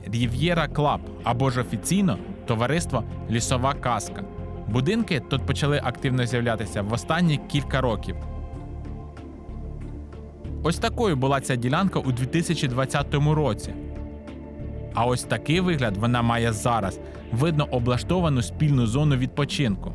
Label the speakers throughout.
Speaker 1: Рів'єра Клаб, або ж офіційно товариство Лісова Казка. Будинки тут почали активно з'являтися в останні кілька років. Ось такою була ця ділянка у 2020 році. А ось такий вигляд вона має зараз. Видно облаштовану спільну зону відпочинку.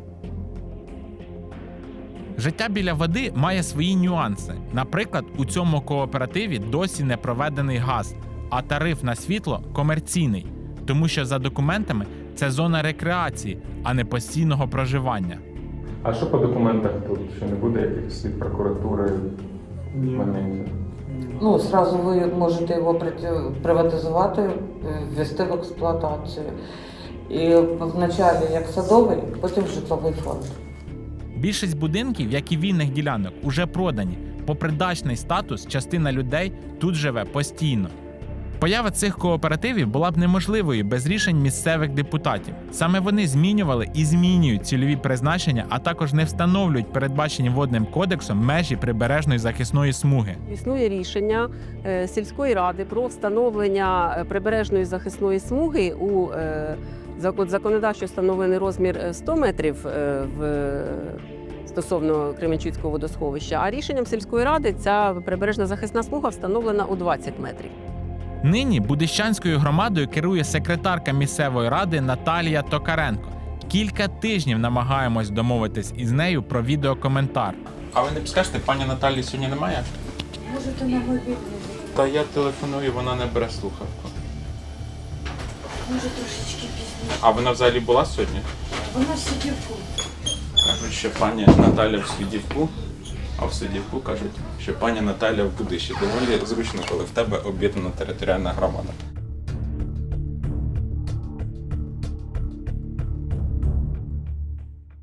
Speaker 1: Життя біля води має свої нюанси. Наприклад, у цьому кооперативі досі не проведений газ, а тариф на світло комерційний, тому що за документами це зона рекреації, а не постійного проживання.
Speaker 2: А що по документах тут? Що не буде якихось від прокуратури моментів?
Speaker 3: Ну, сразу ви можете його приватизувати, ввести в експлуатацію. І вначалі як садовий, потім житловий фонд.
Speaker 1: Більшість будинків, як і вільних ділянок, уже продані. Попри дачний статус, частина людей тут живе постійно. Поява цих кооперативів була б неможливою без рішень місцевих депутатів. Саме вони змінювали і змінюють цільові призначення, а також не встановлюють передбачені водним кодексом межі прибережної захисної смуги.
Speaker 4: Існує рішення сільської ради про встановлення прибережної захисної смуги у законодавчо встановлений розмір 100 метрів стосовно Кременчуцького водосховища, а рішенням сільської ради ця прибережна захисна смуга встановлена у 20 метрів.
Speaker 1: Нині Будищанською громадою керує секретарка місцевої ради Наталія Токаренко. Кілька тижнів намагаємось домовитись із нею про відеокоментар.
Speaker 5: А ви не підскажете, пані Наталі сьогодні немає?
Speaker 6: Можете на мобільний.
Speaker 5: Та я телефоную, вона не бере слухавку.
Speaker 6: Може трошечки пізніше.
Speaker 5: А вона взагалі була сьогодні?
Speaker 6: Вона в Сидівку.
Speaker 5: Кажуть, що пані Наталя в Сидівку, а в Сидівку кажуть, що пані Наталя в Будищі. Доволі зручно, коли в тебе об'єднана територіальна громада.